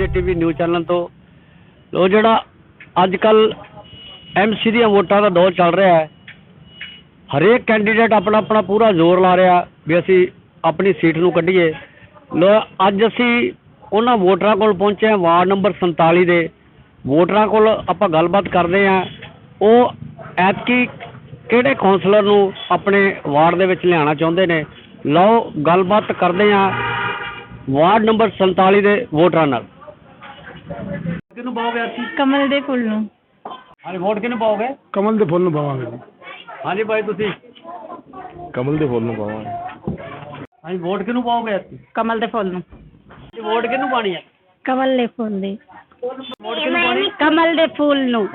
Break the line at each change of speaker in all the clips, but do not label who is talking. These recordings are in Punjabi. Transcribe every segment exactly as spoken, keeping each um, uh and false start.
ਕੇ ਟੀ ਵੀ ਨਿਊਜ਼ ਚੈਨਲ ਤੋਂ। ਲੋ ਜਿਹੜਾ ਅੱਜ ਕੱਲ ਐਮ ਸੀ ਦੀਆਂ ਵੋਟਾਂ ਦਾ ਦੌਰ ਚੱਲ ਰਿਹਾ ਹੈ, ਹਰੇਕ ਕੈਂਡੀਡੇਟ ਆਪਣਾ ਆਪਣਾ ਪੂਰਾ ਜ਼ੋਰ ਲਾ ਰਿਹਾ ਵੀ ਅਸੀਂ ਆਪਣੀ ਸੀਟ ਨੂੰ ਕੱਢੀਏ। ਲੋ ਅੱਜ ਅਸੀਂ ਉਹਨਾਂ ਵੋਟਰਾਂ ਕੋਲ ਪਹੁੰਚੇ ਹਾਂ, ਵਾਰਡ ਨੰਬਰ ਸੰਤਾਲੀ ਦੇ ਵੋਟਰਾਂ ਕੋਲ ਆਪਾਂ ਗੱਲਬਾਤ ਕਰਦੇ ਹਾਂ। ਉਹ ਐਤਕੀ ਕਿਹੜੇ ਕੌਂਸਲਰ ਨੂੰ ਆਪਣੇ ਵਾਰਡ ਦੇ ਵਿੱਚ ਲਿਆਉਣਾ ਚਾਹੁੰਦੇ ਨੇ। ਲਓ ਗੱਲਬਾਤ ਕਰਦੇ ਹਾਂ ਵਾਰਡ ਨੰਬਰ ਸੰਤਾਲੀ ਦੇ ਵੋਟਰਾਂ ਨਾਲ। ਕਿਹਨੂੰ ਪਾਓਗੇ ਅਸੀਂ?
ਕਮਲ ਦੇ ਫੁੱਲ ਨੂੰ।
ਹਾਂਜੀ, ਵੋਟ ਕਿਹਨੂੰ ਪਾਓਗੇ?
ਕਮਲ ਦੇ ਫੁੱਲ ਨੂੰ ਪਾਵਾਂਗੇ ਜੀ।
ਹਾਂਜੀ ਭਾਈ, ਤੁਸੀਂ?
ਕਮਲ ਦੇ ਫੁੱਲ ਨੂੰ ਪਾਵਾਂਗੇ।
ਹਾਂਜੀ, ਵੋਟ ਕਿਹਨੂੰ ਪਾਓਗੇ ਅਸੀਂ?
ਕਮਲ ਦੇ ਫੁੱਲ ਨੂੰ।
ਵੋਟ ਕਿਹਨੂੰ ਪਾਣੀ ਹੈ?
ਕਮਲ ਦੇ ਫੁੱਲ ਦੇ।
ਵੋਟ ਕਿਹਨੂੰ ਪਾਣੀ?
ਕਮਲ ਦੇ ਫੁੱਲ ਨੂੰ।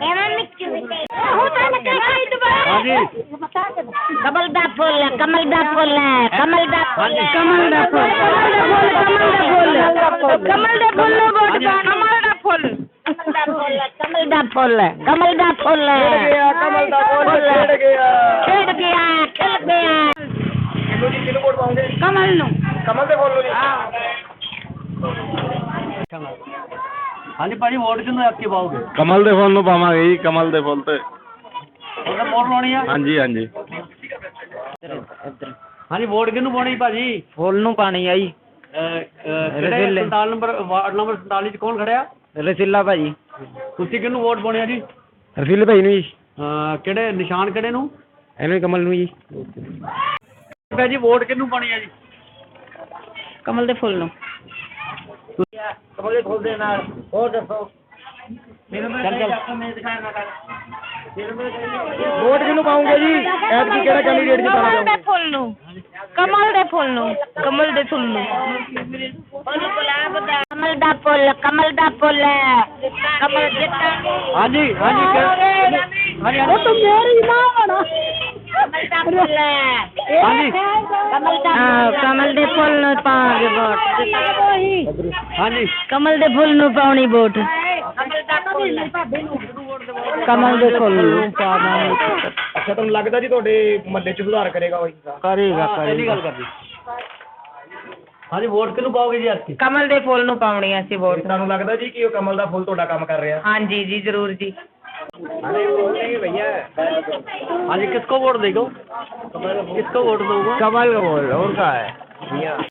ਹਾਂਜੀ,
ਕਮਲ ਦਾ ਫੁੱਲ, ਕਮਲ ਦਾ ਫੁੱਲ ਹੈ, ਕਮਲ ਦਾ ਫੁੱਲ,
ਹਾਂਜੀ।
ਕਮਲ ਦਾ ਫੁੱਲ, ਕਮਲ ਦਾ ਫੁੱਲ, ਕਮਲ ਦੇ ਫੁੱਲ ਨੂੰ ਵੋਟ ਪਾ। ਕਮਲ ਦਾ ਫੁੱਲ, ਕਮਲ ਦਾ ਫੁੱਲ, ਕਮਲ ਦਾ ਫੁੱਲ,
ਕਮਲ ਦਾ ਫੁੱਲ ਖਿੜ ਗਿਆ,
ਖਿੜ ਗਿਆ, ਖਿੜ ਗਿਆ।
ਕਿਹਨੂੰ ਜੀ, ਕਿਹਨੂੰ ਵੋਟ ਪਾਓਗੇ?
ਕਮਲ ਨੂੰ।
ਕਮਲ ਦੇ ਫੁੱਲ ਨੂੰ ਜੀ। ਹਾਂਜੀ ਭਾਜੀ, ਵੋਟ ਕਿਹਨੂੰ ਐਤਕੀ ਪਾਓਗੇ?
ਕਮਲ ਦੇ ਫੁੱਲ ਨੂੰ ਪਾਵਾਂਗੇ ਜੀ। ਕਮਲ ਦੇ ਫੁੱਲ ਤੇ
ਉਹਨੇ ਵੋਟ ਲਾਉਣੀ ਆ?
ਹਾਂਜੀ ਹਾਂਜੀ।
ਹਾਂਜੀ, ਵੋਟ ਕਿਹਨੂੰ ਪਾਉਣੀ ਭਾਜੀ?
ਫੁੱਲ ਨੂੰ ਪਾਣੀ ਆ ਜੀ।
ਕਿਹੜੇ ਸੰਤਾਲੀ ਨੰਬਰ ਵਾਰਡ ਨੰਬਰ ਸੰਤਾਲੀ ਚ ਕੌਣ ਖੜਿਆ?
ਰਸੀਲਾ ਭਾਜੀ।
ਤੁਸੀਂ ਕਿਹਨੂੰ ਵੋਟ ਪਾਉਣੀ ਆ ਜੀ?
ਰਸੀਲੇ ਭਾਈ ਨੂੰ ਜੀ।
ਅਹ ਕਿਹੜੇ ਨਿਸ਼ਾਨ ਕਿਹੜੇ ਨੂੰ?
ਇਹਨੂੰ ਕਮਲ ਨੂੰ ਜੀ।
ਭਾਜੀ, ਵੋਟ ਕਿਹਨੂੰ ਪਾਉਣੀ ਆ ਜੀ?
ਕਮਲ ਦੇ ਫੁੱਲ ਨੂੰ।
ਕਮਲ ਦੇ ਫੁੱਲ ਦੇ ਨਾਲ ਹੋਰ ਦੱਸੋ। ਚੱਲ ਚੱਲ।
ਵੋਟ ਕਿਹਨੂੰ ਪਾਉਂਗੇ ਜੀ? ਐਤਕੀ ਕਿਹੜਾ ਕੈਂਡੀਡੇਟ ਜਿਤਾਉਣਾ
ਕਮਲ ਦੇ ਫੁੱਲ ਨੂੰ। ਕਮਲ ਦੇ ਫੁੱਲ ਨੂੰ। ਕਮਲ ਦੇ ਫੁੱਲ ਨੂੰ। ਕਮਲ ਦਾ ਫੁੱਲ, ਕਮਲ ਦਾ ਫੁੱਲ ਹੈ। ਕਮਲ ਜਿੱਤਾ।
ਹਾਂਜੀ ਹਾਂਜੀ ਕਿ- ਹਾਂਜੀ
ਉਹ ਤਾਂ ਮੇਰੀ ਮਾਂ ਬਣਾ। ਕਮਲ ਦਾ ਫੁੱਲ ਹੈ।
ਹਾਂਜੀ
ਕਮਲ ਦਾ ਕਮਲ ਦੇ ਫੁੱਲ ਨੂੰ ਪਾਵਾਂਗੇ ਵੋਟ।
ਹਾਂਜੀ
ਕਮਲ ਦੇ ਫੁੱਲ ਨੂੰ ਪਾਉਣੀ ਵੋਟ। ਕਮਲ ਦਾ ਫੁੱਲ। ਕਮਲ ਦੇ ਫੁੱਲ ਨੂੰ ਪਾਵਾਂਗੇ।
ਅੱਛਾ, ਤੁਹਾਨੂੰ ਲੱਗਦਾ ਜੀ ਤੁਹਾਡੇ ਮਹੱਲੇ 'ਚ ਸੁਧਾਰ ਕਰੇਗਾ ਉਹ?
ਕਰੇਗਾ
ਪਹਿਲੀ ਗੱਲ ਕਰਦੀ। ਹਾਂਜੀ, ਵੋਟ ਕਿਹਨੂੰ ਪਾਓਗੇ ਜੀ ਐਤਕੀ?
ਕਮਲ ਦੇ ਫੁੱਲ ਨੂੰ ਪਾਉਣੀ ਅਸੀਂ ਵੋਟ।
ਤੁਹਾਨੂੰ ਲੱਗਦਾ ਜੀ ਕਿ ਉਹ ਕਮਲ ਦਾ ਫੁੱਲ ਤੁਹਾਡਾ ਕੰਮ ਕਰ ਰਿਹਾ?
ਹਾਂਜੀ ਜੀ, ਜ਼ਰੂਰ ਜੀ।
ਹਾਂਜੀ, किसको वोट देगा? किसको वोट दोगे?
कमल का बोल और का है।